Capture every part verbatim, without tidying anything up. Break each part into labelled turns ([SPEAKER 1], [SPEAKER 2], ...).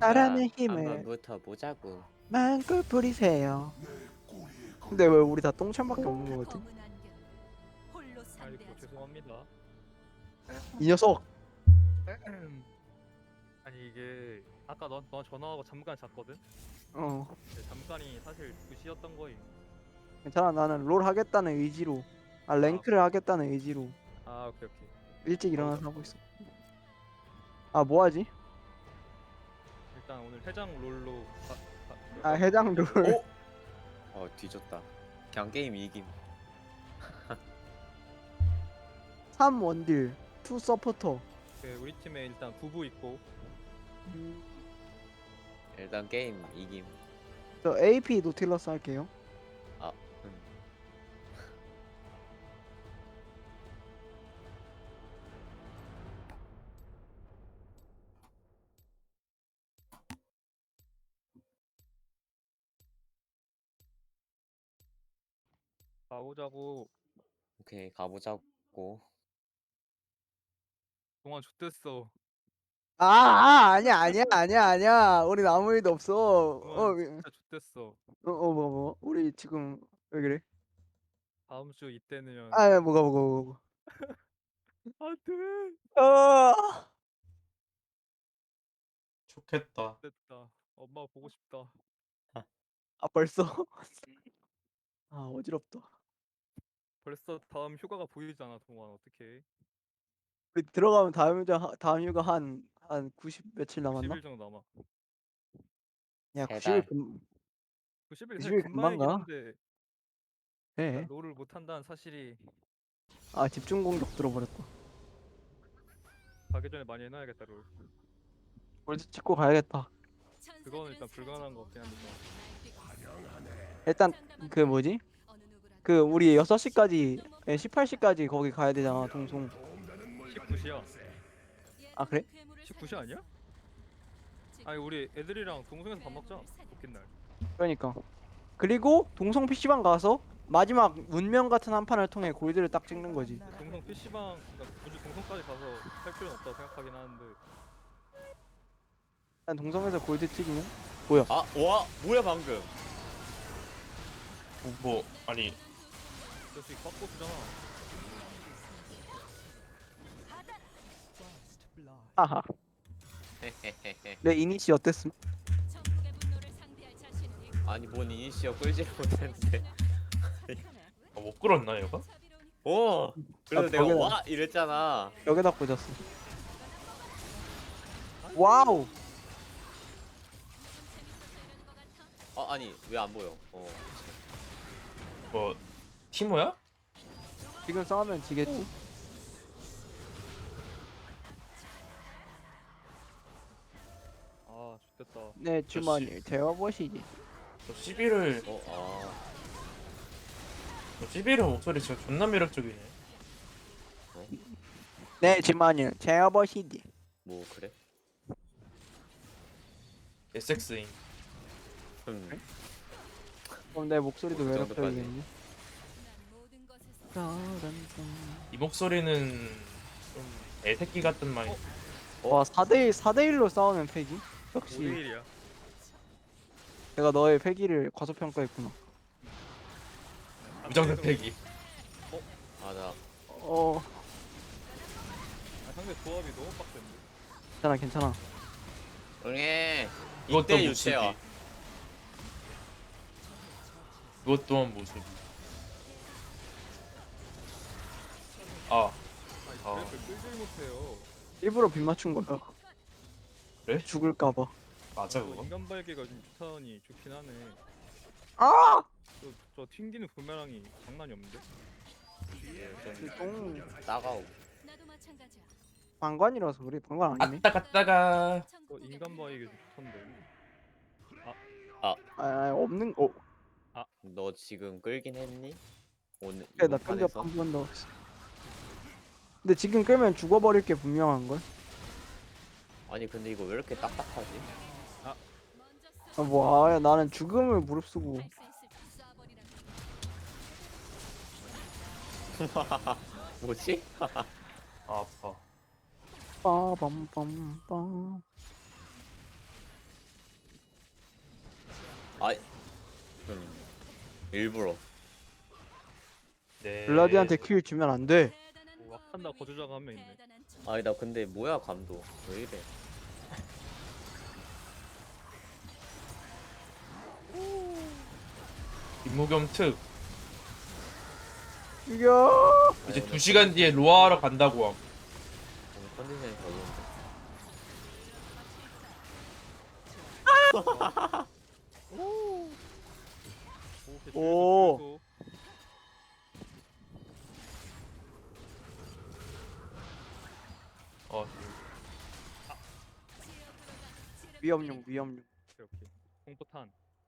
[SPEAKER 1] 사랑의
[SPEAKER 2] 우리가
[SPEAKER 1] 힘을
[SPEAKER 2] 한번 붙어 보자고.
[SPEAKER 1] 마음껏 부리세요. 근데 왜 우리 다 똥참밖에 없는 거 같아?
[SPEAKER 3] 아이고 죄송합니다.
[SPEAKER 1] 이 녀석.
[SPEAKER 3] 아니 이게 아까 너, 너 전화하고 잠깐 잤거든?
[SPEAKER 1] 어
[SPEAKER 3] 근데 잠깐이 사실 두 시였던 거임.
[SPEAKER 1] 괜찮아. 나는 롤 하겠다는 의지로, 아
[SPEAKER 3] 아,
[SPEAKER 1] 랭크를 하겠다는 의지로
[SPEAKER 3] 아 오케이 오케이.
[SPEAKER 1] 일찍 일어나서
[SPEAKER 3] 가보자.
[SPEAKER 1] 하고 있어. 아 뭐하지?
[SPEAKER 3] 일단 오늘 해장 롤로 가, 가,
[SPEAKER 1] 아 해장 롤.
[SPEAKER 2] 오! 어 뒤졌다. 그냥 게임 이김.
[SPEAKER 1] 삼 원딜, 투 서포터.
[SPEAKER 3] 그 우리 팀에 일단 부부 있고
[SPEAKER 2] 일단 게임 이김.
[SPEAKER 1] 저 에이피 노틸러스 할게요.
[SPEAKER 2] 아, 음.
[SPEAKER 3] 가보자고.
[SPEAKER 2] 오케이 가보자고.
[SPEAKER 3] 동안 좆됐어.
[SPEAKER 1] 아, 아 아니야 아니야 아니야 아니야. 우리 아무 일도 없어. 어,
[SPEAKER 3] 동안
[SPEAKER 1] 어,
[SPEAKER 3] 진짜 좆됐어.
[SPEAKER 1] 어, 뭐, 뭐, 우리 지금 왜 그래?
[SPEAKER 3] 다음 주 이때면
[SPEAKER 1] 아, 뭐가 뭐가 뭐가.
[SPEAKER 3] 안돼.
[SPEAKER 1] 아,
[SPEAKER 4] 좋겠다.
[SPEAKER 3] 됐다. 엄마 보고 싶다.
[SPEAKER 1] 아 벌써? 아 어지럽다.
[SPEAKER 3] 벌써 다음 휴가가 보이잖아 동안 어떡해.
[SPEAKER 1] 우리 들어가면 다음 휴가 다음 휴가 한 한 구십 며칠 남았나?
[SPEAKER 3] 구십 일 정도 남아.
[SPEAKER 1] 야
[SPEAKER 2] 세
[SPEAKER 1] 구십 일
[SPEAKER 2] 달.
[SPEAKER 1] 금
[SPEAKER 3] 구십 일 사실
[SPEAKER 1] 구십 일 금방
[SPEAKER 3] 금방이긴
[SPEAKER 1] 가.
[SPEAKER 3] 한데 내가
[SPEAKER 1] 예.
[SPEAKER 3] 롤을 못한다는 사실이
[SPEAKER 1] 아 집중 공격 들어버렸다.
[SPEAKER 3] 가기 전에 많이 해놔야겠다 롤.
[SPEAKER 1] 골드 찍고 가야겠다.
[SPEAKER 3] 그거는 일단 불가능한 거 같긴 한데
[SPEAKER 1] 일단 그 뭐지? 그 우리 여섯 시까지 십팔 시까지 거기 가야 되잖아 동송.
[SPEAKER 3] 십구 시야.
[SPEAKER 1] 아 그래?
[SPEAKER 3] 십구 시 아니야? 아니 우리 애들이랑 동성에서 밥 먹자. 웃긴 날.
[SPEAKER 1] 그러니까. 그리고 동성 피시방 가서 마지막 운명 같은 한 판을 통해 골드를 딱 찍는 거지.
[SPEAKER 3] 동성 피시방 그러니까 굳이 동성까지 가서 할 필요는 없다고 생각하긴 하는데
[SPEAKER 1] 일단 동성에서 골드 찍으면 뭐야?
[SPEAKER 2] 아, 와, 뭐야 방금?
[SPEAKER 4] 뭐 아니
[SPEAKER 3] 저기 빡고 쓰잖아.
[SPEAKER 1] 아하. 내 이니시 어땠음?
[SPEAKER 2] 아니 뭔 이니시어 끌지를 못했는데.
[SPEAKER 4] 아, 못 끌었나 얘가?
[SPEAKER 2] 오, 그래서
[SPEAKER 1] 아,
[SPEAKER 2] 내가
[SPEAKER 1] 벽에다-
[SPEAKER 2] 와 이랬잖아.
[SPEAKER 1] 여기다 꽂았어. 와우.
[SPEAKER 2] 어 아니 왜 안 보여? 어.
[SPEAKER 4] 뭐 티모야?
[SPEAKER 1] 지금 싸우면 지겠지?
[SPEAKER 3] 아 좋겠다.
[SPEAKER 1] 내 주머니를 재워보시지.
[SPEAKER 4] 저 시비를
[SPEAKER 2] 어 아.
[SPEAKER 4] 저 시비를 목소리 진짜 존나 매력적이네.
[SPEAKER 1] 내 주머니를 재워보시지.
[SPEAKER 2] 뭐 그래?
[SPEAKER 4] 에스엑스인.
[SPEAKER 2] 음.
[SPEAKER 1] 그럼 내 목소리도
[SPEAKER 2] 어, 그 정도까지.
[SPEAKER 1] 매력적이겠니?
[SPEAKER 4] 이 목소리는 좀 애새끼 같은 말.
[SPEAKER 1] 와 사 대 일 사 대 일로 싸우는 패기?
[SPEAKER 3] 오
[SPEAKER 1] 역시
[SPEAKER 3] 대 일이야.
[SPEAKER 1] 내가 너의 패기를 과소평가했구나.
[SPEAKER 4] 무장사 패기.
[SPEAKER 2] 맞아.
[SPEAKER 1] 어
[SPEAKER 3] 아, 상대 조합이 너무 빡센데.
[SPEAKER 1] 괜찮아 괜찮아.
[SPEAKER 2] 응애.
[SPEAKER 4] 그것도
[SPEAKER 2] 이때
[SPEAKER 4] 모습이.
[SPEAKER 2] 유채화.
[SPEAKER 4] 그것 또한 모습이. 아
[SPEAKER 3] 아니
[SPEAKER 4] 아.
[SPEAKER 3] 그래서 끌질 못해요.
[SPEAKER 1] 일부러 빗 맞춘 거야.
[SPEAKER 4] 그래?
[SPEAKER 1] 죽을까봐.
[SPEAKER 4] 맞아
[SPEAKER 3] 저
[SPEAKER 4] 그거?
[SPEAKER 3] 인간 발기가 좀 좋다니 좋긴 하네.
[SPEAKER 1] 아!
[SPEAKER 3] 저, 저 튕기는 부메랑이 장난이 없는데?
[SPEAKER 1] 똥
[SPEAKER 2] 따가워.
[SPEAKER 5] 나도 마찬가지야.
[SPEAKER 1] 방관이라서 그래. 방관 아니네.
[SPEAKER 4] 갔다 갔다가
[SPEAKER 3] 저 인간 발기가 좀 좋던데.
[SPEAKER 1] 아, 아 없는 어
[SPEAKER 2] 너 지금 끌긴 했니? 오늘
[SPEAKER 1] 그래
[SPEAKER 2] 이번
[SPEAKER 1] 나 끌려
[SPEAKER 2] 판에서?
[SPEAKER 1] 한 번 더. 근데 지금 끌면 죽어버릴 게 분명한 걸.
[SPEAKER 2] 아니 근데 이거 왜 이렇게 딱딱하지?
[SPEAKER 1] 아, 뭐 아, 나는 죽음을 무릅쓰고.
[SPEAKER 2] 뭐지?
[SPEAKER 4] 아, 아파.
[SPEAKER 1] 빠밤빰빰.
[SPEAKER 2] 아, 음, 일부러.
[SPEAKER 4] 네.
[SPEAKER 1] 블라디한테 킬 주면 안 돼.
[SPEAKER 3] 오, 와칸다 거주자가 한 명 있네.
[SPEAKER 2] 아니 나 근데 뭐야 감독 왜 이래?
[SPEAKER 4] 김무겸 특.
[SPEAKER 1] 죽여.
[SPEAKER 4] 이제
[SPEAKER 2] 아니,
[SPEAKER 4] 두 시간 뒤에 로아하러 간다고 함.
[SPEAKER 2] 오늘 컨디션이 별로인데.
[SPEAKER 3] 오, 오케이,
[SPEAKER 1] 오.
[SPEAKER 3] 주유소,
[SPEAKER 4] 어,
[SPEAKER 1] 위험용 위험용.
[SPEAKER 3] 주유소. 오케이, 오케이. 공포탄.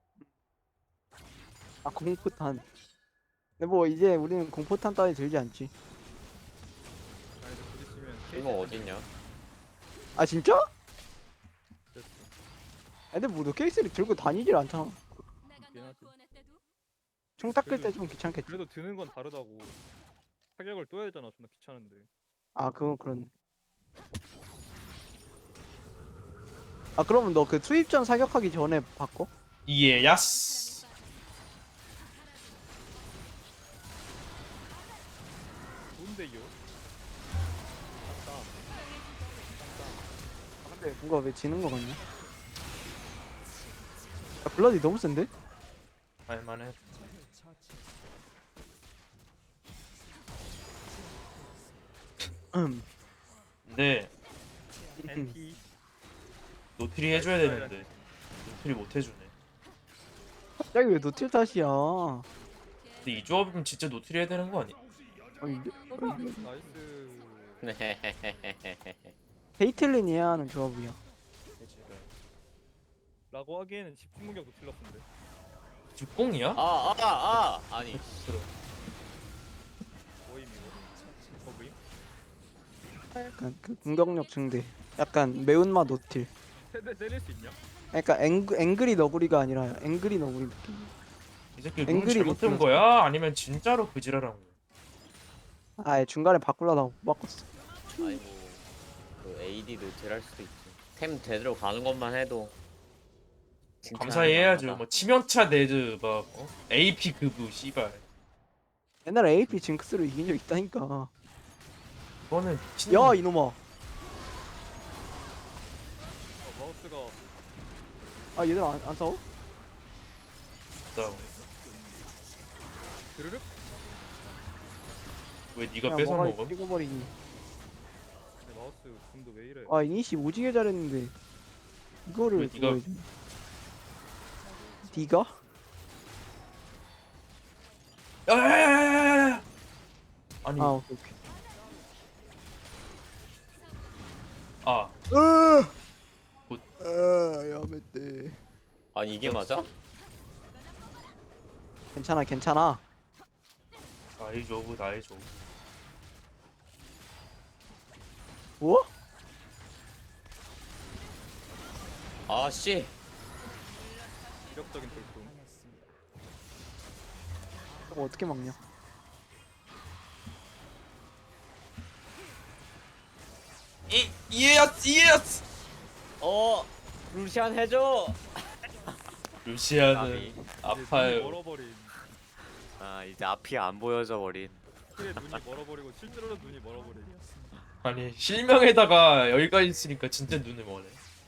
[SPEAKER 1] 아 공포탄. 근데 뭐 이제 우리는 공포탄 따위 들지 않지.
[SPEAKER 3] 아, 이제 곧 있으면
[SPEAKER 2] 이거 어딨냐?
[SPEAKER 1] 아 진짜?
[SPEAKER 3] 됐어.
[SPEAKER 1] 아, 근데 뭐너 케이스를 들고 다니질 않잖아.
[SPEAKER 3] 그렇긴 하지.
[SPEAKER 1] 총 닦을 때 좀 귀찮겠지.
[SPEAKER 3] 그래도 드는 건 다르다고. 타격을 또 해야 되잖아. 존나 귀찮은데.
[SPEAKER 1] 아 그건 그런. 아 그러면 너 그 투입 전 사격하기 전에 바꿔?
[SPEAKER 4] 이에 야스.
[SPEAKER 3] 좋은데요? 땀땀.
[SPEAKER 1] 아, 근데 뭔가 왜 지는 거 같냐? 야 블라디 너무 센데?
[SPEAKER 4] 할만해.
[SPEAKER 1] 음.
[SPEAKER 4] 근데
[SPEAKER 3] 엔티.
[SPEAKER 4] 노틸이 해줘야 되는데 노틸이 못 해주네.
[SPEAKER 1] 갑자기 왜 노틸 탓이야?
[SPEAKER 4] 근데 이 조합이면 진짜 노틸이 해야 되는 거 아니야?
[SPEAKER 1] 아니,
[SPEAKER 3] 나이스.
[SPEAKER 1] 베이틀린 해야 하는 조합이야.
[SPEAKER 3] 라고 하기에는 집중력도 틀렸던데.
[SPEAKER 4] 죽공이야?
[SPEAKER 2] 아아아 아, 아, 아니
[SPEAKER 4] 들어.
[SPEAKER 3] 모임 이거. 어, 모임?
[SPEAKER 1] 약간 그 공격력 증대. 약간 매운맛 노틸.
[SPEAKER 3] 세대 때릴 수 있냐?
[SPEAKER 1] 그러니까 앵그, 앵그리 너구리가 아니라 앵그리 너구리 느낌.
[SPEAKER 4] 이 새끼 룰
[SPEAKER 1] 앵그리
[SPEAKER 4] 잘못 든
[SPEAKER 1] 노틸.
[SPEAKER 4] 거야? 아니면 진짜로 그지랄한 거야?
[SPEAKER 1] 아 중간에 바꾸려다가 못 바꿨어.
[SPEAKER 2] 아니 뭐그 에이디도 딜할 수도 있지. 템 제대로 가는 것만 해도
[SPEAKER 4] 감사히 해야죠. 뭐 치명타 네드 막 어? 에이피 급부 씨발.
[SPEAKER 1] 옛날에 에이피 징크스로 이긴 적 있다니까.
[SPEAKER 4] 이거는 미친.
[SPEAKER 1] 야 이놈아.
[SPEAKER 3] 어, 마우스가
[SPEAKER 1] 아 얘들 안, 안 싸워?
[SPEAKER 4] 다
[SPEAKER 3] 드르륵?
[SPEAKER 4] 왜 네가
[SPEAKER 1] 야,
[SPEAKER 4] 뺏어
[SPEAKER 1] 뭐가
[SPEAKER 4] 먹음?
[SPEAKER 1] 찍어버리니.
[SPEAKER 3] 내 마우스 금도 왜 이래?
[SPEAKER 1] 아 이니시 오지게 잘했는데 이거를
[SPEAKER 4] 왜 네가-
[SPEAKER 1] 그거 해주네. 니가?
[SPEAKER 4] 야야야야야야! 아니
[SPEAKER 1] 아 오케이 오케이.
[SPEAKER 4] 아
[SPEAKER 1] 으.
[SPEAKER 4] 굿.
[SPEAKER 1] 아 야매떼.
[SPEAKER 2] 아니 이게 맞아?
[SPEAKER 1] 괜찮아 괜찮아.
[SPEAKER 4] 나이 조브 나이 조브.
[SPEAKER 1] 뭐?
[SPEAKER 2] 아씨
[SPEAKER 3] 기력적인 돌풍.
[SPEAKER 1] 저거 어떻게 막냐?
[SPEAKER 4] 이 이에야스 이에야스.
[SPEAKER 2] 어 루시안 해줘.
[SPEAKER 4] 루시아는
[SPEAKER 2] 나비.
[SPEAKER 3] 이제 눈이
[SPEAKER 4] 아파요.
[SPEAKER 3] 멀어버린.
[SPEAKER 2] 아 이제 앞이 안 보여져 버린.
[SPEAKER 3] 실에 눈이 멀어버리고 실제로도 눈이 멀어버린.
[SPEAKER 4] 아니 실명에다가 여기까지 있으니까 진짜 눈을 머네.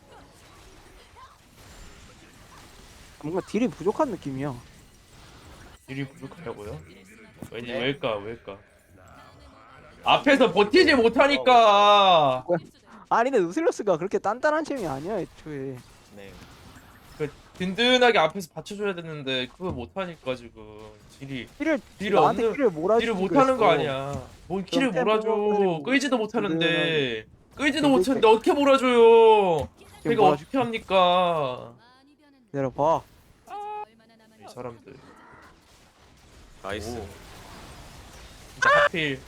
[SPEAKER 1] 뭔가 딜이 부족한 느낌이야.
[SPEAKER 4] 일이 부족하다고요? 왠지
[SPEAKER 2] 네.
[SPEAKER 4] 왜일까 왜일까? 앞에서 버티지 못하니까.
[SPEAKER 1] 아니 근데 누슬러스가 그렇게 단단한 챔이 아니야 애초에.
[SPEAKER 2] 네.
[SPEAKER 4] 그 든든하게 앞에서 받쳐줘야 되는데 그걸 못하니까 지금 딜이
[SPEAKER 1] 딜을
[SPEAKER 4] 딜을
[SPEAKER 1] 나한테
[SPEAKER 4] 없는-
[SPEAKER 1] 딜을 몰아주고
[SPEAKER 4] 딜을 못하는 거 아니야. 뭔 킬을
[SPEAKER 1] 좀
[SPEAKER 4] 몰아줘.
[SPEAKER 1] 템포가
[SPEAKER 4] 끌지도 못하는데 끌지도
[SPEAKER 1] 좀
[SPEAKER 4] 못하는데 어떻게 몰아줘요?
[SPEAKER 1] 지금
[SPEAKER 4] 내가
[SPEAKER 1] 몰아줄게.
[SPEAKER 4] 어떻게 합니까?
[SPEAKER 1] 내려봐.
[SPEAKER 4] 이 사람들.
[SPEAKER 2] 나이스.
[SPEAKER 4] 오. 진짜 하필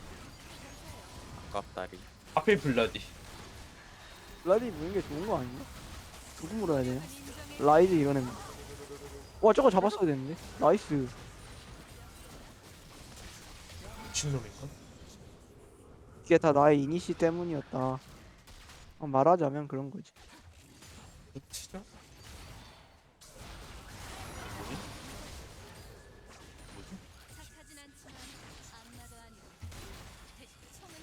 [SPEAKER 2] 아깝다리.
[SPEAKER 4] 하필 블라디.
[SPEAKER 1] 블라디 무는 게 좋은 거 아니야? 누구 물어야 되냐? 라이즈 이런 애. 와 저거 잡았어야 되는데. 나이스.
[SPEAKER 4] 미친놈인가?
[SPEAKER 1] 이게 다 나의 이니시 때문이었다. 어, 말하자면 그런 거지.
[SPEAKER 4] 미치죠?
[SPEAKER 5] 착하진 않지만 안나도 아니고 총은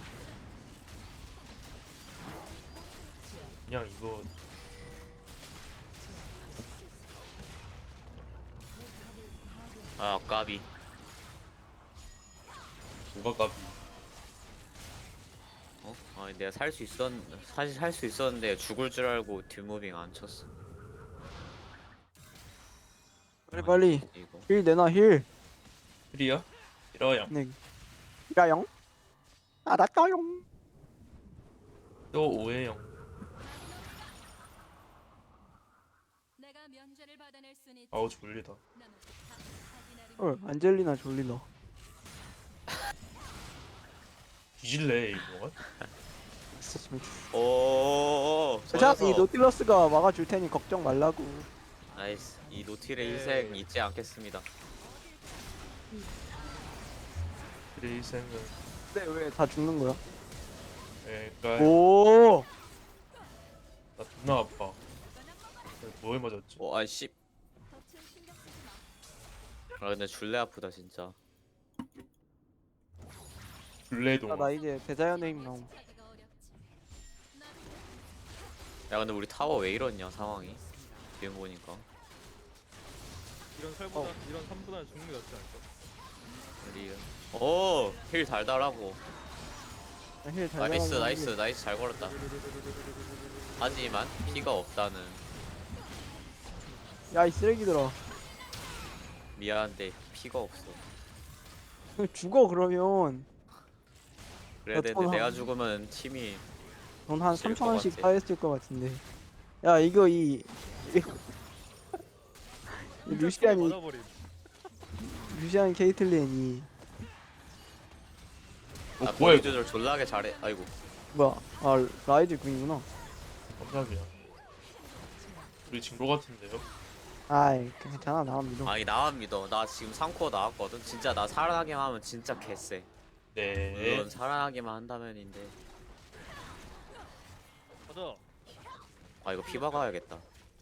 [SPEAKER 4] 그냥 이거
[SPEAKER 2] 아 까비.
[SPEAKER 4] 누가 까비.
[SPEAKER 2] 어? 아니 내가 살 수 있었 사실 살 수 있었는데 죽을 줄 알고 뒷무빙 안 쳤어.
[SPEAKER 1] 빨리 빨리
[SPEAKER 2] 이거.
[SPEAKER 1] 힐 내놔 힐.
[SPEAKER 4] 그리야? 이러야.
[SPEAKER 1] 네. 이라영. 알았어요.
[SPEAKER 4] 또 오해영.
[SPEAKER 5] 내가 면죄를 받아낼 순 있지.
[SPEAKER 4] 아우 졸리다.
[SPEAKER 5] 나는 다 확인하리.
[SPEAKER 1] 어 안젤리나 졸리다.
[SPEAKER 4] 뒤질래 이거.
[SPEAKER 2] 오.
[SPEAKER 1] 자, 이 노틸러스가 막아줄 테니 걱정 말라고.
[SPEAKER 2] 나이스. 이 노틸의 희생 잊지 않겠습니다.
[SPEAKER 4] 그래 이 생은.
[SPEAKER 1] 근데 왜 다 죽는 거야?
[SPEAKER 4] 그러니까
[SPEAKER 1] 오.
[SPEAKER 4] 나 존나 아파. 뭐에 맞았지?
[SPEAKER 2] 오 아씨.
[SPEAKER 5] 덫을 신경 쓰지 마.
[SPEAKER 2] 아 근데 줄레 아프다 진짜.
[SPEAKER 4] 블레동.
[SPEAKER 1] 아, 나 이제 대자연의 힘 나옴.
[SPEAKER 5] 찾기가 어렵지. 나도
[SPEAKER 2] 야 근데 우리 타워 왜 이러냐 상황이. 지금 보니까.
[SPEAKER 3] 이런 살보다 이런 삶보다는 죽는 게 낫지 않을까?
[SPEAKER 2] 우리. 오. 힐 달달하고.
[SPEAKER 1] 힐잘
[SPEAKER 2] 나이스 나이스 나이스 잘 걸었다. 하지만 피가 없다는.
[SPEAKER 1] 야이 쓰레기들아.
[SPEAKER 2] 미안한데 피가 없어.
[SPEAKER 1] 죽어 그러면.
[SPEAKER 2] 그래야
[SPEAKER 1] 야,
[SPEAKER 2] 되는데
[SPEAKER 1] 돈
[SPEAKER 2] 내가
[SPEAKER 1] 한-
[SPEAKER 2] 죽으면 팀이
[SPEAKER 1] 돈 한
[SPEAKER 2] 질것
[SPEAKER 1] 삼천 원씩
[SPEAKER 2] 같아.
[SPEAKER 1] 파했을 것 같은데. 야 이거 이, 이 루시안이
[SPEAKER 3] 맞아버림.
[SPEAKER 1] 루시안 케이틀린이
[SPEAKER 4] 어,
[SPEAKER 2] 아
[SPEAKER 4] 뭐야
[SPEAKER 2] 거리
[SPEAKER 4] 이거?
[SPEAKER 2] 조절 졸라게 잘해. 아이고.
[SPEAKER 1] 뭐야? 아 라이즈 궁이구나.
[SPEAKER 4] 깜짝이야. 우리 진거 같은데요?
[SPEAKER 1] 아이 괜찮아 나 믿어.
[SPEAKER 2] 아니 나만 믿어. 나 지금 삼 코어 나왔거든. 진짜 나 살아나기만 하면 진짜 개쎄.
[SPEAKER 4] 네.
[SPEAKER 2] 물론 살아나기만 한다면인데.
[SPEAKER 3] 가자.
[SPEAKER 2] 아 이거 피 박아야겠다.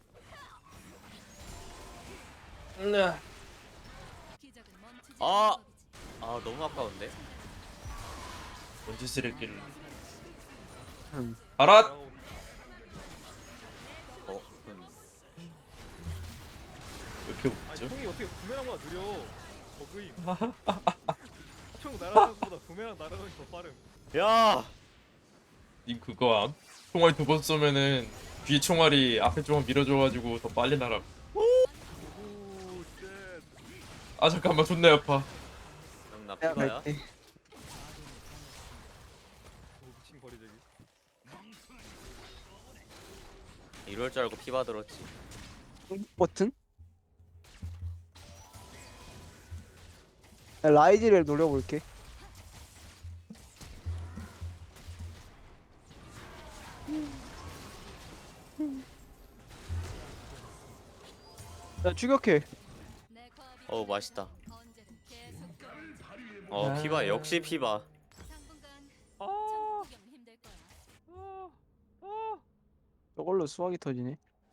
[SPEAKER 4] 네.
[SPEAKER 5] 기적은 멈추지
[SPEAKER 2] 아!
[SPEAKER 5] 않는 법이지.
[SPEAKER 2] 아 너무 아까운데.
[SPEAKER 4] 먼지 쓰레기를.
[SPEAKER 1] 음.
[SPEAKER 4] 알아.
[SPEAKER 3] 야오.
[SPEAKER 2] 어. 음.
[SPEAKER 4] 왜 이렇게
[SPEAKER 3] 아니
[SPEAKER 4] 웃죠?
[SPEAKER 3] 총이 어떻게 부메랑보다 느려? 버그임. 총 날아가는 것보다 부메랑 날아가는 게 더 빠름.
[SPEAKER 2] 야.
[SPEAKER 4] 님 그거 암? 총알 두 번 쏘면은 뒤에 총알이 앞에 총알 밀어줘가지고 더 빨리 날아.
[SPEAKER 3] 오 쉣.
[SPEAKER 4] 아 잠깐만 존나 아파.
[SPEAKER 2] 그럼 나
[SPEAKER 1] 내가
[SPEAKER 2] 피가야.
[SPEAKER 1] 갈게.
[SPEAKER 3] 오 미친 거리제기.
[SPEAKER 2] 이럴 줄 알고 피 받들었지.
[SPEAKER 1] 버튼? 야, 라이즈를 노려볼게. 야 추격해.
[SPEAKER 5] 내 과업이
[SPEAKER 2] 어우 맛있다.
[SPEAKER 5] 언제든 계속 또
[SPEAKER 2] 어 피바 역시 피바.
[SPEAKER 5] 당분간
[SPEAKER 3] 아.
[SPEAKER 5] 전국 구경 힘들 거야.
[SPEAKER 3] 아. 아.
[SPEAKER 1] 저걸로 수학이 터지네.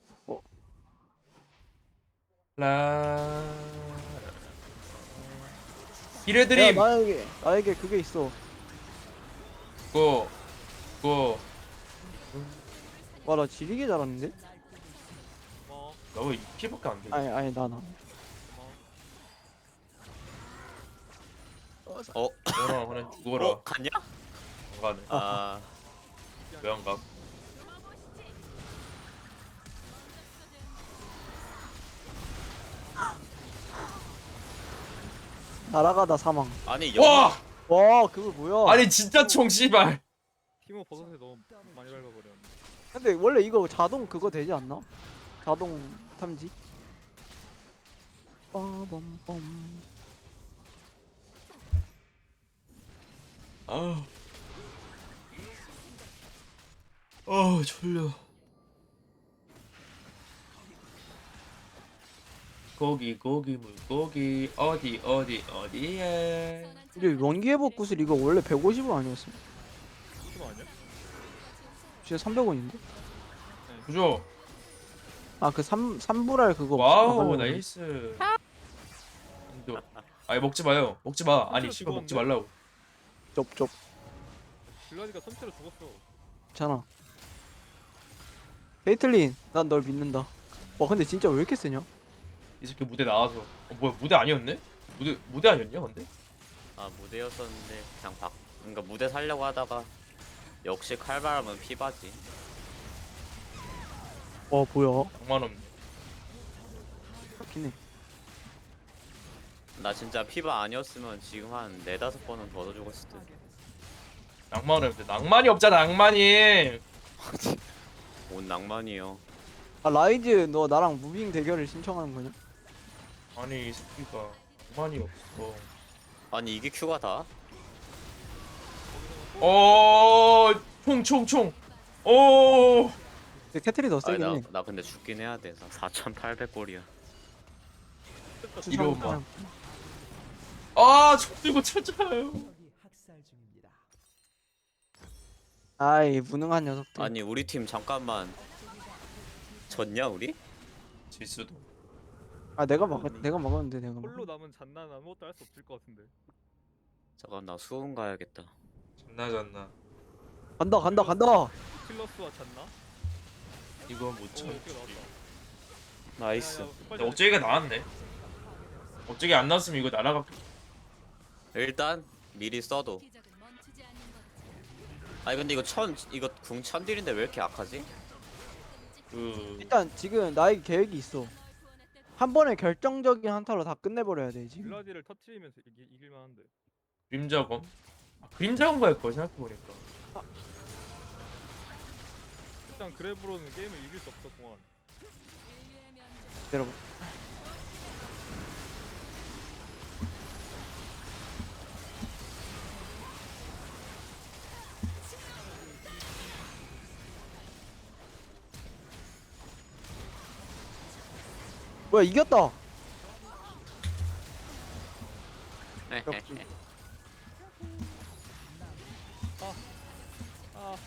[SPEAKER 4] 라.
[SPEAKER 1] 야
[SPEAKER 4] 이래드림.
[SPEAKER 1] 나에게 나에게 그게 있어.
[SPEAKER 4] 그거 그거
[SPEAKER 1] 와 나 지리게 잘하는데?
[SPEAKER 3] 어.
[SPEAKER 4] 나왜 이 피밖에 안 돼?
[SPEAKER 1] 아니 아니 나 나.
[SPEAKER 2] 어.
[SPEAKER 4] 너랑 그냥 죽어라.
[SPEAKER 2] 어 갔냐?
[SPEAKER 4] 안 가네.
[SPEAKER 2] 아.
[SPEAKER 4] 왜 안 가?
[SPEAKER 1] 날아가다 사망.
[SPEAKER 2] 아니 영.
[SPEAKER 4] 와!
[SPEAKER 1] 와 그거 뭐야?
[SPEAKER 4] 아니 진짜 총 씨발.
[SPEAKER 3] 티모 버섯에 너무 많이 밟아버렸네.
[SPEAKER 1] 근데 원래 이거 자동 그거 되지 않나? 자동 탐지? 빠밤빰.
[SPEAKER 4] 아. 아 졸려. 고기 고기 물고기 어디 어디 어디에.
[SPEAKER 1] 근데 원기회복 구슬 이거 원래 백오십 원 아니었어?
[SPEAKER 3] 티모 아니야?
[SPEAKER 1] 진짜 삼백 원인데?
[SPEAKER 4] 그죠?
[SPEAKER 1] 아 그 삼 삼불알 그거
[SPEAKER 4] 와우
[SPEAKER 1] 하려고
[SPEAKER 4] 나이스. 아니 먹지 마요. 먹지 마. 아니
[SPEAKER 3] 선체로
[SPEAKER 4] 씨발 먹지
[SPEAKER 3] 죽었는데?
[SPEAKER 4] 말라고.
[SPEAKER 1] 쩝쩝.
[SPEAKER 3] 블라디가 선체로 죽었어.
[SPEAKER 1] 괜찮아. 베이틀린, 난 널 믿는다. 와 근데 진짜 왜 이렇게 세냐?
[SPEAKER 4] 이 새끼 무대 나와서. 어 뭐야 무대 아니었네? 무대 무대 아니었냐 근데?
[SPEAKER 2] 아 무대였었는데 그냥 박 그러니까 무대 살려고 하다가 역시 칼바람은 피바지.
[SPEAKER 1] 와 뭐야?
[SPEAKER 4] 낭만 없네.
[SPEAKER 1] 그렇긴 해.
[SPEAKER 2] 나 진짜 피바 아니었으면 지금 한 네다섯 번은 더 죽었을 듯.
[SPEAKER 4] 낭만 없는데 낭만이 없잖아 낭만이.
[SPEAKER 2] 온 낭만이요.
[SPEAKER 1] 아 라이즈 너 나랑 무빙 대결을 신청하는 거냐?
[SPEAKER 4] 아니 이 새끼가 낭만이 없어.
[SPEAKER 2] 아니 이게 큐가 다?
[SPEAKER 4] 어, 총, 총, 총. 오,
[SPEAKER 1] 근데 캐틀이 더
[SPEAKER 2] 아니
[SPEAKER 1] 세긴
[SPEAKER 2] 나,
[SPEAKER 1] 해.
[SPEAKER 2] 나 근데 죽긴 해야 돼. 나 사천팔백 골이야.
[SPEAKER 4] 이리 오마. 아, 총 들고 찾아요.
[SPEAKER 1] 아이 무능한 녀석들.
[SPEAKER 2] 아니 우리 팀 잠깐만 졌냐 우리?
[SPEAKER 4] 질 수도.
[SPEAKER 1] 아 내가 막 내가 먹었는데 내가 먹.
[SPEAKER 3] 홀로 남은 잔나는 아무것도 할 수 없을 것 같은데.
[SPEAKER 2] 잠깐 나 수원 가야겠다.
[SPEAKER 4] 잔나 잔나.
[SPEAKER 1] 간다 간다 간다.
[SPEAKER 3] 킬러스와 잔나?
[SPEAKER 4] 이거 못
[SPEAKER 3] 오,
[SPEAKER 4] 쳐.
[SPEAKER 3] 어떻게 나왔다.
[SPEAKER 2] 나이스.
[SPEAKER 3] 야, 야, 빨리
[SPEAKER 4] 근데 억제기가 나왔네. 억제기 안 나왔으면 이거 날아가.
[SPEAKER 2] 일단 미리 써도.
[SPEAKER 5] 기적은 멈추지 않는 거지.
[SPEAKER 2] 아니 근데 이거 천 이거 궁 천딜인데 왜 이렇게 약하지?
[SPEAKER 4] 그
[SPEAKER 1] 일단 지금 나의 계획이 있어. 한 번에 결정적인 한타로 다 끝내버려야 돼 지금.
[SPEAKER 3] 블라디를 터트리면서 이기, 이길만한데.
[SPEAKER 4] 그림자검. 아, 그림자검 갈 거 생각해 보니까.
[SPEAKER 3] 일단 그래브로는 게임을 이길 수 없어 공안.
[SPEAKER 5] 인류의 면접.
[SPEAKER 1] 여러분. 뭐야 이겼다. 역시.
[SPEAKER 3] 아,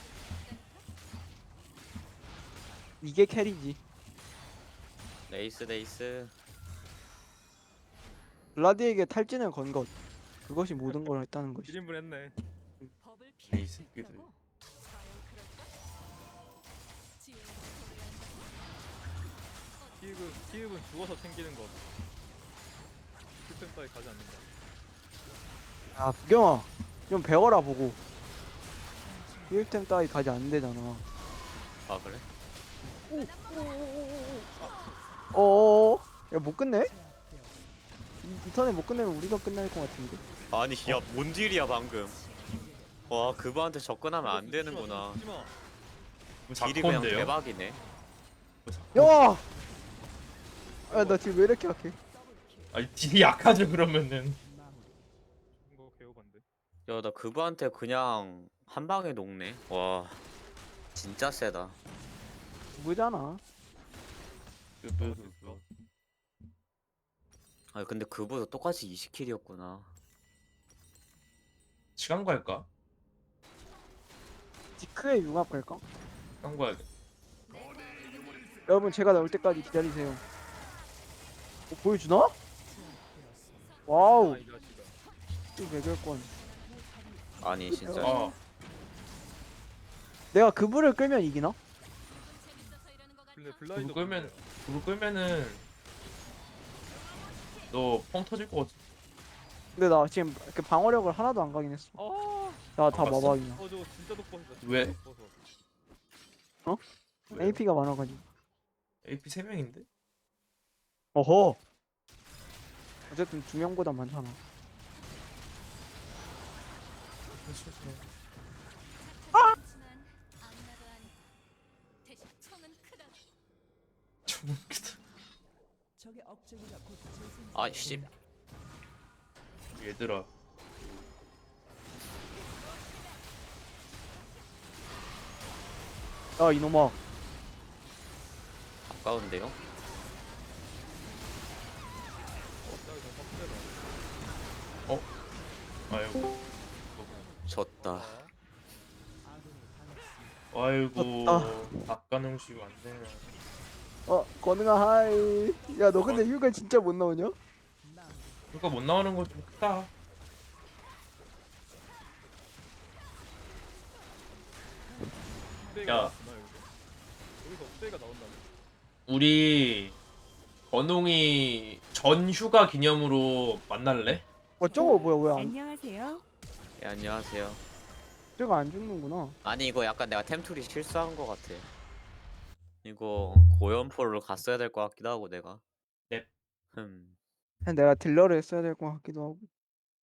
[SPEAKER 1] 이게 캐리지.
[SPEAKER 2] 레이스 레이스.
[SPEAKER 1] 블라디에게 탈진을 건 것. 그것이 모든 걸 했다는 것이.
[SPEAKER 3] 일 인분 했네.
[SPEAKER 5] 법을
[SPEAKER 4] 이
[SPEAKER 5] 피할 수
[SPEAKER 4] 새끼들.
[SPEAKER 5] 있다고? 과연 그럴까? 지혜를 소리한다.
[SPEAKER 3] 키읔은 키읔은 죽어서 챙기는 것. 실패까지 가지 않는다.
[SPEAKER 1] 아 부경아 좀 배워라 보고. 힐템 따위 가지 안 되잖아.
[SPEAKER 2] 아 그래?
[SPEAKER 1] 어어어. 야못 끝내? 이, 이 턴에 못 끝내면 우리가 끝날 것 같은데.
[SPEAKER 2] 아니 야 뭔 딜이야 방금. 와 그거한테 접근하면 안 되는구나.
[SPEAKER 3] 죽지 마.
[SPEAKER 4] 뭐
[SPEAKER 2] 딜이 그냥
[SPEAKER 4] 사건데요?
[SPEAKER 2] 대박이네.
[SPEAKER 1] 야! 야나 지금 왜 이렇게 약해?
[SPEAKER 4] 아니 딜이 약하죠 그러면은.
[SPEAKER 3] 이거 개오반데.
[SPEAKER 2] 야 나 그거한테 그냥 한 방에 녹네. 와 진짜 세다.
[SPEAKER 1] 누구잖아.
[SPEAKER 4] 끄끄끄.
[SPEAKER 2] 아 근데 그보다 똑같이 이십 킬이었구나.
[SPEAKER 4] 시간 갈까?
[SPEAKER 1] 디크의 융합 갈까?
[SPEAKER 4] 시간 가야겠다.
[SPEAKER 1] 여러분 제가 나올 때까지 기다리세요. 어, 보여주나? 와우.
[SPEAKER 3] 아, 이 자식아.
[SPEAKER 1] 이 매결권.
[SPEAKER 2] 아니 진짜.
[SPEAKER 4] 아,
[SPEAKER 1] 내가 그불을 끌면 이기나?
[SPEAKER 5] 재밌어서 이러는 것 같아.
[SPEAKER 3] 근데
[SPEAKER 4] 그거
[SPEAKER 3] 블라디도
[SPEAKER 4] 끌면 그거 끌면은 너 펑 터질 것 같아.
[SPEAKER 1] 근데 나 지금 이렇게 방어력을 하나도 안 가긴 했어.
[SPEAKER 3] 아,
[SPEAKER 1] 나 다
[SPEAKER 4] 안 갔어?
[SPEAKER 1] 마박이야.
[SPEAKER 3] 어 저거 진짜 독버섯이다. 진짜
[SPEAKER 4] 왜?
[SPEAKER 3] 독버섯.
[SPEAKER 1] 에이피가 많아가지고.
[SPEAKER 4] 에이피 세 명인데?
[SPEAKER 1] 어허. 어쨌든 두 명보다 많잖아.
[SPEAKER 5] 하지만 악마도 아니고 대신 총은 크다.
[SPEAKER 4] 좀 크다.
[SPEAKER 2] 아씨.
[SPEAKER 4] 얘들아.
[SPEAKER 1] 야 이놈아.
[SPEAKER 2] 가까운데요?
[SPEAKER 4] 아이고.
[SPEAKER 2] 졌다.
[SPEAKER 4] 아이고.
[SPEAKER 1] 졌다.
[SPEAKER 4] 닭가능식 안 되네.
[SPEAKER 1] 어 건능아 하이. 야 너 근데 휴가 진짜 못 나오냐?
[SPEAKER 4] 그거 못 나오는 거 좀 크다.
[SPEAKER 3] 업데이가
[SPEAKER 4] 야.
[SPEAKER 3] 나왔구나 여기서. 여기서 업데이가 나온다네.
[SPEAKER 4] 우리 건웅이 전 휴가 기념으로 만날래?
[SPEAKER 1] 와 저거 뭐야 뭐야 안-
[SPEAKER 6] 안녕하세요.
[SPEAKER 2] 예, 안녕하세요.
[SPEAKER 1] 저거 안 죽는구나.
[SPEAKER 2] 아니 이거 약간 내가 템툴이 실수한 것 같아. 이거 고연포를 갔어야 될 것 같기도 하고 내가.
[SPEAKER 4] 넵.
[SPEAKER 2] 흠.
[SPEAKER 1] 그냥 내가 딜러를 했어야 될 것 같기도 하고.